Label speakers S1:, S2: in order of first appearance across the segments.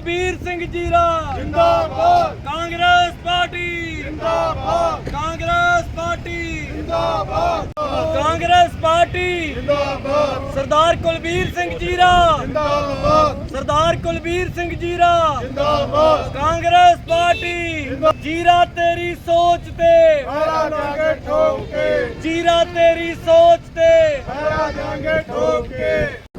S1: ਕੁਲਬੀਰ ਸਿੰਘ ਜੀਰਾ
S2: जिंदाबाद
S1: ਕਾਂਗਰਸ ਪਾਰਟੀ
S2: जिंदाबाद
S1: ਕਾਂਗਰਸ ਪਾਰਟੀ
S2: जिंदाबाद
S1: ਕਾਂਗਰਸ ਪਾਰਟੀ
S2: जिंदाबाद
S1: ਸਰਦਾਰ ਕੁਲਬੀਰ ਸਿੰਘ ਜੀਰਾ
S2: जिंदाबाद
S1: ਸਰਦਾਰ ਕੁਲਬੀਰ ਸਿੰਘ ਜੀਰਾ
S2: जिंदाबाद
S1: ਕਾਂਗਰਸ ਪਾਰਟੀ ਜੀਰਾ ਤੇਰੀ ਸੋਚ ਤੇ
S2: पैरा जाएंगे ठोक के
S1: ਜੀਰਾ ਤੇਰੀ ਸੋਚ ਤੇ
S2: पैरा जाएंगे ठोक के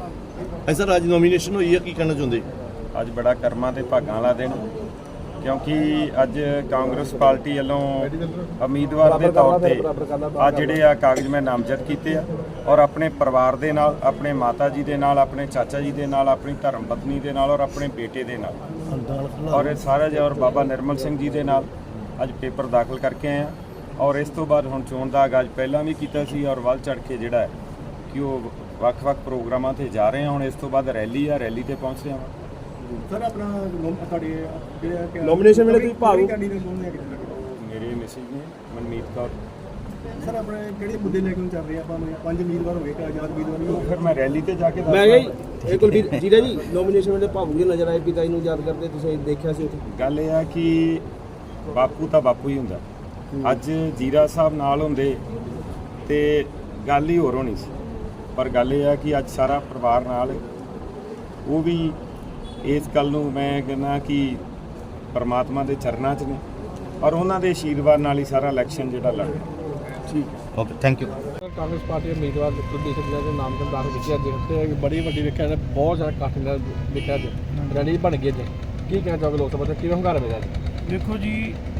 S3: ਸਰ ਅੱਜ ਨੋਮੀਨੇਸ਼ਨ ਹੋਈ ਹੈ, ਕੀ ਕਹਿਣਾ ਚਾਹੁੰਦੇ?
S4: ਅੱਜ ਬੜਾ ਕਰਮਾਂ ਤੇ ਭਾਗਾਂ ਵਾਲਾ ਦਿਨ ਕਿਉਂਕਿ ਅੱਜ ਕਾਂਗਰਸ ਪਾਰਟੀ ਵੱਲੋਂ ਉਮੀਦਵਾਰ ਦੇ ਤੌਰ ਤੇ ਆ ਜਿਹੜੇ ਆ ਕਾਗਜ਼ ਮੈਂ ਨਾਮਜ਼ਦ ਕੀਤੇ ਆ ਔਰ ਆਪਣੇ ਪਰਿਵਾਰ ਦੇ ਨਾਲ, ਆਪਣੇ ਮਾਤਾ ਜੀ ਦੇ ਨਾਲ, ਆਪਣੇ ਚਾਚਾ ਜੀ ਦੇ ਨਾਲ, ਆਪਣੀ ਧਰਮ ਪਤਨੀ ਦੇ ਨਾਲ ਔਰ ਆਪਣੇ ਬੇਟੇ ਦੇ ਨਾਲ ਔਰ ਇਹ ਸਾਰਾ ਜੀ ਔਰ ਬਾਬਾ ਨਿਰਮਲ ਸਿੰਘ ਜੀ ਦੇ ਨਾਲ ਅੱਜ ਪੇਪਰ ਦਾਖਲ ਕਰਕੇ ਆਏ ਆ ਔਰ ਇਸ ਤੋਂ ਬਾਅਦ ਹੁਣ ਚੋਣ ਦਾ ਆਗਾਜ਼ ਪਹਿਲਾਂ ਵੀ ਕੀਤਾ ਸੀ ਔਰ ਵੱਲ ਚੜ੍ਹ ਕੇ ਜਿਹੜਾ ਹੈ ਕਿ ਉਹ ਵੱਖ-ਵੱਖ ਪ੍ਰੋਗਰਾਮਾਂ ਤੇ ਜਾ ਰਹੇ ਹਾਂ। ਹੁਣ ਇਸ ਤੋਂ ਬਾਅਦ ਰੈਲੀ ਆ, ਰੈਲੀ ਤੇ ਪਹੁੰਚ ਰਹੇ ਹਾਂ।
S2: सर अपना ਤੁਹਾਡੇ ਜਿਹੜੇ
S3: ਨੋਮੀਨੇਸ਼ਨ ਵੇਲੇ ਤੁਸੀਂ ਭਾਗ
S2: ਕੈਂਡੀਡੇਟ ਕੌਣ ਹੈ ਕਿਤੇ
S4: ਮੇਰੇ ਮਿਸਿਸ ਨੇ ਮਨਮੀਤ ਕੌਰ।
S2: ਸਰ ਆਪਣੇ ਕਿਹੜੇ ਮੁੱਦੇ ਲੈ ਕੇ ਚੱਲ ਰਹੇ ਆਪਾਂ ਨੂੰ 5 ਉਮੀਦਵਾਰ ਹੋਏ ਕਿ ਆਜ਼ਾਦ ਉਮੀਦਵਾਰ ਵੀ
S4: ਉਹ ਫਿਰ ਮੈਂ ਰੈਲੀ ਤੇ ਜਾ ਕੇ
S3: ਮੈਂ ਇਹ ਕੁਲਬੀਰ ਜੀਰਾ ਜੀ ਨੋਮੀਨੇਸ਼ਨ ਵੇਲੇ ਭਾਵੁਕ ਜਿਹੇ ਨਜ਼ਰ ਆਏ, ਪਿਤਾ ਜੀ ਨੂੰ ਯਾਦ ਕਰਦੇ, ਤੁਸੀਂ ਦੇਖਿਆ ਸੀ ਉੱਥੇ?
S4: ਗੱਲ ਇਹ ਆ ਕਿ ਬਾਪੂ ਤਾਂ ਬਾਪੂ ਹੀ ਹੁੰਦਾ। ਅੱਜ ਜੀਰਾ ਸਾਹਿਬ ਨਾਲ ਹੁੰਦੇ ਤੇ ਗੱਲ ਹੀ ਹੋਰ ਹੋਣੀ ਸੀ, ਪਰ ਗੱਲ ਇਹ ਆ ਕਿ ਅੱਜ ਸਾਰਾ ਪਰਿਵਾਰ ਨਾਲ ਉਹ ਵੀ ਇਸ ਗੱਲ ਨੂੰ ਮੈਂ ਕਹਿੰਦਾ ਕਿ ਪਰਮਾਤਮਾ ਦੇ ਚਰਨਾਂ 'ਚ ਨੇ ਔਰ ਉਹਨਾਂ ਦੇ ਆਸ਼ੀਰਵਾਦ ਨਾਲ ਹੀ ਸਾਰਾ ਇਲੈਕਸ਼ਨ ਜਿਹੜਾ ਲੜਨਾ।
S3: ਠੀਕ, okay, thank you.
S5: Congress party ਦੇ ਉਮੀਦਵਾਰ ਕੁਲਦੀਪ ਸਿੰਘ ਜੀਰਾ ਦੇ ਨਾਮ ਤੋਂ ਦਾਖਲ ਕੀਤੀ ਅੱਜ ਤੇ ਬੜੀ ਵੱਡੀ ਵੇਖਿਆ ਤੇ ਬਹੁਤ ਜ਼ਿਆਦਾ ਇਕੱਠ ਨਾਲ ਵੇਖਿਆ ਅੱਜ ਰੈਲੀ ਬਣ ਗਈ ਅੱਜ। ਕੀ ਕਹਿਣਾ ਚਾਹੋਗੇ ਲੋਕ ਸਭਾ ਦਾ ਕਿਵੇਂ ਹੰਗਾਰਾ ਮਿਲਿਆ ਜੀ?
S6: ਦੇਖੋ ਜੀ,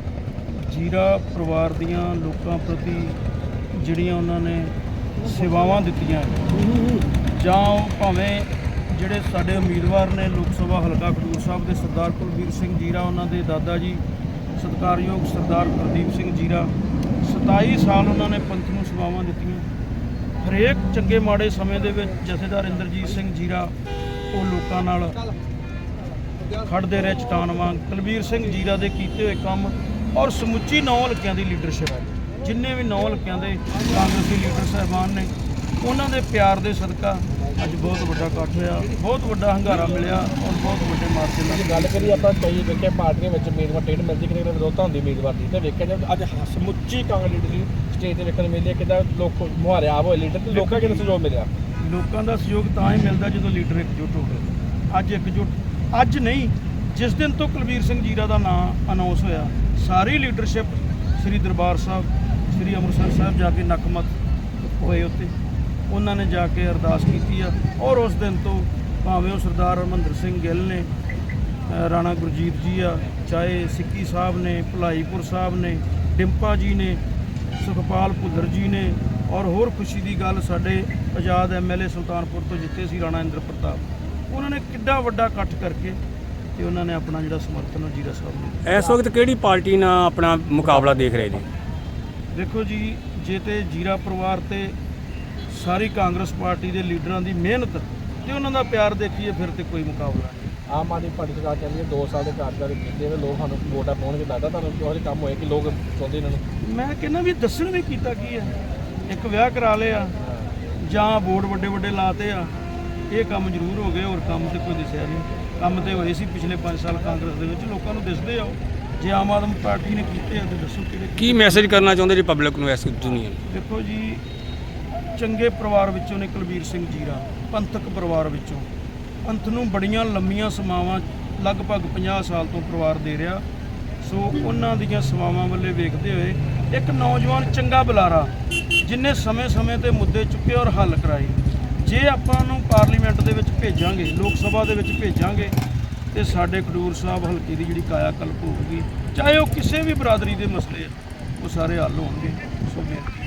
S6: ਜੀਰਾ ਪਰਿਵਾਰ ਦੀਆਂ ਲੋਕਾਂ ਪ੍ਰਤੀ ਜਿਹੜੀਆਂ ਉਹਨਾਂ ਨੇ ਸੇਵਾਵਾਂ ਦਿੱਤੀਆਂ ਜਾਂ ਉਹ ਭਾਵੇਂ ਜਿਹੜੇ ਸਾਡੇ ਉਮੀਦਵਾਰ ਨੇ ਲੋਕ ਸਭਾ ਹਲਕਾ ਖਡੂਰ ਸਾਹਿਬ ਦੇ ਸਰਦਾਰ ਕੁਲਬੀਰ ਸਿੰਘ ਜੀਰਾ, ਉਹਨਾਂ ਦੇ ਦਾਦਾ ਜੀ ਸਤਿਕਾਰਯੋਗ ਸਰਦਾਰ ਪ੍ਰਦੀਪ ਸਿੰਘ ਜੀਰਾ 27 ਸਾਲ ਉਹਨਾਂ ਨੇ ਪੰਥ ਨੂੰ ਸੇਵਾਵਾਂ ਦਿੱਤੀਆਂ। ਹਰੇਕ ਚੰਗੇ ਮਾੜੇ ਸਮੇਂ ਦੇ ਵਿੱਚ ਜਥੇਦਾਰ ਇੰਦਰਜੀਤ ਸਿੰਘ ਜੀਰਾ ਉਹ ਲੋਕਾਂ ਨਾਲ ਖੜਦੇ ਰਹੇ ਚਟਾਨ ਵਾਂਗ। ਕੁਲਬੀਰ ਸਿੰਘ ਜੀਰਾ ਦੇ ਕੀਤੇ ਹੋਏ ਕੰਮ ਔਰ ਸਮੁੱਚੀ 9 ਹਲਕਿਆਂ ਦੀ ਲੀਡਰਸ਼ਿਪ ਹੈ, ਜਿੰਨੇ ਵੀ 9 ਹਲਕਿਆਂ ਦੇ ਕਾਂਗਰਸੀ ਲੀਡਰ ਸਾਹਿਬਾਨ ਨੇ, ਉਹਨਾਂ ਦੇ ਪਿਆਰ ਦੇ ਸਦਕਾ ਅੱਜ ਬਹੁਤ ਵੱਡਾ ਇਕੱਠ ਹੋਇਆ, ਬਹੁਤ ਵੱਡਾ ਹੰਗਾਰਾ ਮਿਲਿਆ ਔਰ ਬਹੁਤ ਵੱਡੇ ਮਾਰਜਨ ਨਾਲ।
S5: ਜੇ ਗੱਲ ਕਰੀਏ ਆਪਾਂ ਕਈ ਵੇਖਿਆ ਪਾਰਟੀਆਂ ਵਿੱਚ ਉਮੀਦਵਾਰ ਟਿਕਟ ਮਿਲਦੀ ਕਿਤੇ ਵਿਰੋਧਤਾ ਹੁੰਦੀ ਉਮੀਦਵਾਰ ਦੀ, ਤੇ ਵੇਖਿਆ ਜਾਵੇ ਅੱਜ ਸਮੁੱਚੀ ਕਾਂਗਰਸ ਲੀਡਰ ਸਟੇਜ ਤੇ ਵੇਖਣ ਨੂੰ ਮਿਲਿਆ ਕਿੱਦਾਂ ਲੋਕ ਮੁਹਾਰਿਆਬ ਹੋਏ ਲੀਡਰ ਤੇ ਲੋਕਾਂ ਕਿੰਨਾ ਸਹਿਯੋਗ ਮਿਲਿਆ।
S6: ਲੋਕਾਂ ਦਾ ਸਹਿਯੋਗ ਤਾਂ ਹੀ ਮਿਲਦਾ ਜਦੋਂ ਲੀਡਰ ਇਕਜੁੱਟ ਹੋਵੇ। ਅੱਜ ਇਕਜੁੱਟ ਅੱਜ ਨਹੀਂ, ਜਿਸ ਦਿਨ ਤੋਂ ਕੁਲਬੀਰ ਸਿੰਘ ਜੀਰਾ ਦਾ ਨਾਮ ਅਨਾਉਂਸ ਹੋਇਆ, ਸਾਰੀ ਲੀਡਰਸ਼ਿਪ ਸ੍ਰੀ ਦਰਬਾਰ ਸਾਹਿਬ, ਸ੍ਰੀ ਅੰਮ੍ਰਿਤਸਰ ਸਾਹਿਬ ਜਾ ਕੇ ਨਕਮਤ ਹੋਏ ਉੱਤੇ, ਉਹਨਾਂ ਨੇ ਜਾ ਕੇ ਅਰਦਾਸ ਕੀਤੀ ਆ ਔਰ ਉਸ ਦਿਨ ਤੋਂ ਭਾਵੇਂ ਉਹ ਸਰਦਾਰ ਹਰਮੰਦਰ ਸਿੰਘ ਗਿੱਲ ਨੇ, ਰਾਣਾ ਗੁਰਜੀਤ ਜੀ ਆ, ਚਾਹੇ ਸਿੱਕੀ ਸਾਹਿਬ ਨੇ, ਭਲਾਈਪੁਰ ਸਾਹਿਬ ਨੇ, ਡਿੰਪਾ ਜੀ ਨੇ, ਸੁਖਪਾਲ ਭੁੱਲਰ ਜੀ ਨੇ ਔਰ ਹੋਰ ਖੁਸ਼ੀ ਦੀ ਗੱਲ ਸਾਡੇ ਆਜ਼ਾਦ MLA ਸੁਲਤਾਨਪੁਰ ਤੋਂ ਜਿੱਤੇ ਸੀ ਰਾਣਾ ਇੰਦਰ ਪ੍ਰਤਾਪ, ਉਹਨਾਂ ਨੇ ਕਿੱਡਾ ਵੱਡਾ ਇਕੱਠ ਕਰਕੇ ਤੇ ਉਹਨਾਂ ਨੇ ਆਪਣਾ ਜਿਹੜਾ ਸਮਰਥਨ ਉਹ ਜੀਰਾ ਸਾਹਿਬ ਨੂੰ।
S1: ਇਸ ਵਕਤ ਕਿਹੜੀ ਪਾਰਟੀ ਨਾਲ ਆਪਣਾ ਮੁਕਾਬਲਾ ਦੇਖ ਰਹੇ ਜੀ?
S6: ਦੇਖੋ ਜੀ, ਜੇ ਤੇ ਜੀਰਾ ਪਰਿਵਾਰ ਤੇ ਸਾਰੀ ਕਾਂਗਰਸ ਪਾਰਟੀ ਦੇ ਲੀਡਰਾਂ ਦੀ ਮਿਹਨਤ ਤੇ ਉਹਨਾਂ ਦਾ ਪਿਆਰ ਦੇਖੀਏ ਫਿਰ ਤੇ ਕੋਈ ਮੁਕਾਬਲਾ ਨਹੀਂ।
S5: ਆਮ ਆਦਮੀ ਪਾਰਟੀ ਸਰਕਾਰ ਕਹਿੰਦੀ ਹੈ 2 ਸਾਲ ਦੇ ਕਾਰਜਕਾਲ ਕੀਤੇ ਨੇ, ਲੋਕ ਸਾਨੂੰ ਵੋਟਾਂ ਪਾਉਣਗੇ, ਲੱਗਦਾ ਤੁਹਾਨੂੰ ਕਿਹੋ ਜਿਹੇ ਕੰਮ ਹੋਏ ਕਿ ਲੋਕ ਚਾਹੁੰਦੇ ਇਹਨਾਂ ਨੂੰ?
S6: ਮੈਂ ਕਹਿੰਦਾ ਵੀ ਦੱਸਣ ਵੀ ਕੀਤਾ ਕੀ ਹੈ, ਇੱਕ ਵਿਆਹ ਕਰਾ ਲਿਆ ਜਾਂ ਬੋਰਡ ਵੱਡੇ ਵੱਡੇ ਲਾਤੇ ਆ, ਇਹ ਕੰਮ ਜ਼ਰੂਰ ਹੋ ਗਏ, ਹੋਰ ਕੰਮ ਤੇ ਕੋਈ ਦਿਸਿਆ ਨਹੀਂ। ਕੰਮ ਤੇ ਹੋਏ ਸੀ ਪਿਛਲੇ 5 ਸਾਲ ਕਾਂਗਰਸ ਦੇ ਵਿੱਚ, ਲੋਕਾਂ ਨੂੰ ਦਿਸਦੇ ਆ। ਜੇ ਆਮ ਆਦਮੀ ਪਾਰਟੀ ਨੇ ਕੀਤੇ ਆ ਤੇ ਦੱਸੋ ਕਿਹੜੇ।
S1: ਕੀ ਮੈਸੇਜ ਕਰਨਾ ਚਾਹੁੰਦੇ ਜੀ ਪਬਲਿਕ ਨੂੰ ਇਸ ਦੁਨੀਆ ਨੂੰ?
S6: ਦੇਖੋ ਜੀ, ਚੰਗੇ ਪਰਿਵਾਰ ਵਿੱਚੋਂ ਨੇ ਕੁਲਬੀਰ ਸਿੰਘ ਜੀਰਾ, ਪੰਥਕ ਪਰਿਵਾਰ ਵਿੱਚੋਂ। ਪੰਥ ਨੂੰ ਬੜੀਆਂ ਲੰਮੀਆਂ ਸੇਵਾਵਾਂ ਲਗਭਗ 50 ਸਾਲ ਤੋਂ ਪਰਿਵਾਰ ਦੇ ਰਿਹਾ, ਸੋ ਉਹਨਾਂ ਦੀਆਂ ਸੇਵਾਵਾਂ ਵੱਲੇ ਵੇਖਦੇ ਹੋਏ ਇੱਕ ਨੌਜਵਾਨ ਚੰਗਾ ਬੁਲਾਰਾ ਜਿਨੇ ਸਮੇਂ-ਸਮੇਂ ਤੇ ਮੁੱਦੇ ਚੁੱਕੇ ਔਰ ਹੱਲ ਕਰਾਏ, ਜੇ ਆਪਾਂ ਨੂੰ ਪਾਰਲੀਮੈਂਟ ਦੇ ਵਿੱਚ ਭੇਜਾਂਗੇ, ਲੋਕ ਸਭਾ ਦੇ ਵਿੱਚ ਭੇਜਾਂਗੇ ਤੇ ਸਾਡੇ ਖਡੂਰ ਸਾਹਿਬ ਹਲਕੇ ਦੀ ਜਿਹੜੀ ਕਾਇਆ ਕਲਪ ਹੋਊਗੀ, ਚਾਹੇ ਉਹ ਕਿਸੇ ਵੀ ਬਰਾਦਰੀ ਦੇ ਮਸਲੇ ਉਹ ਸਾਰੇ ਹੱਲ ਹੋਣਗੇ। ਸੋ ਬੇਨਤੀ